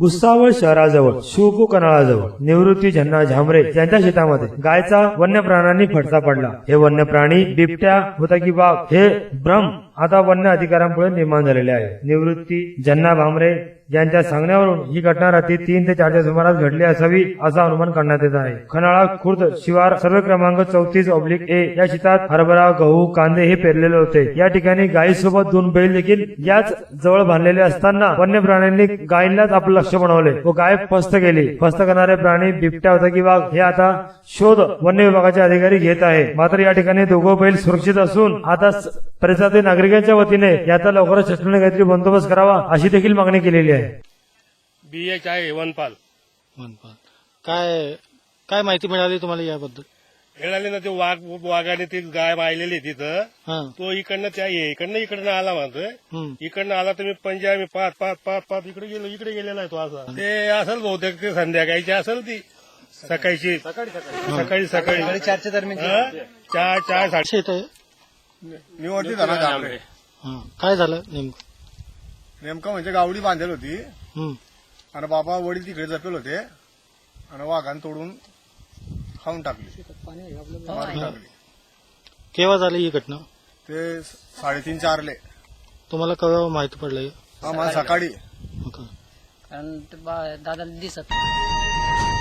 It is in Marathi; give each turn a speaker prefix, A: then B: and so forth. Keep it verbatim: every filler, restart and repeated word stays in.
A: भुसावळ शहराजवळ शिवपू कनाळाजवळ निवृत्ती झन्ना झांबरे यांच्या शेतामध्ये गायचा वन्य प्राण्यांनी फटका पडला। हे वन्य प्राणी बिबट्या होता की वाघ हे भ्रम आता वन्य अधिकाऱ्यांपुढे निर्माण झालेले आहे। निवृत्ती झन्ना भांबरे यांच्या सांगण्यावरून ही घटना रात्री तीन ते चारच्या सुमारास घडली असावी असा अनुमान करण्यात येत आहे। खनाळा खुर्द शिवार सर्वे क्रमांक चौतीस ऑब्लिक ए या शेतात हरभरा गहू कांदे हे पेरलेले होते। या ठिकाणी गायीसोबत दोन बैल देखील याच जवळ बांधलेले असताना वन्य प्राण्यांनी गायींनाच आपलं लक्ष बनवले व गाय फस्त केली। फस्त करणारे प्राणी बिबट्या होता की वाघ हे आता शोध वन्य विभागाचे अधिकारी घेत आहे। मात्र या ठिकाणी दोघं बैल सुरक्षित असून आता परिसरातील नागरिकांच्या वतीने याचा लवकरच शासनाने काहीतरी बंदोबस्त करावा अशी देखील मागणी केलेली आहे।
B: बी एच आहे वनपाल
C: वनपाल काय काय माहिती मिळाली तुम्हाला याबद्दल?
B: मिळाली ना, ते वाघ वाघाने ती गाय मारलेली तिथं,
C: हा
B: तो इकडनं त्या इकडनं इकडनं आला म्हणतोय,
C: हम्म.
B: इकडनं आला तर मी पंजा मी पाच पाच पाच पाच इकडे गेलो, इकडे गेलेला आहे तो असा। ते असेल बहुतेक ते संध्याकाळची असेल ती सकाळची सकाळी सकाळी
D: चारच्या दरम्यान
B: हा? चार चार साडे
C: शेत आहे.
D: निवडती झाला झांबरे.
C: हा काय झालं नेमकं?
D: नेमकं म्हणजे गावडी बांधेल होती
C: हम्म.
D: आणि बाबा वडील तिकडे जपेल होते आणि वाघान तोडून खाऊन टाकली, मारून टाकली।
C: केव्हा झाली ही घटना?
D: ते साडेतीन चारले
C: तुम्हाला केव्हा माहिती पडलं?
D: आम्हाला सकाळी
C: हो का?
E: कारण ते बा- दादाला दिसत नाही.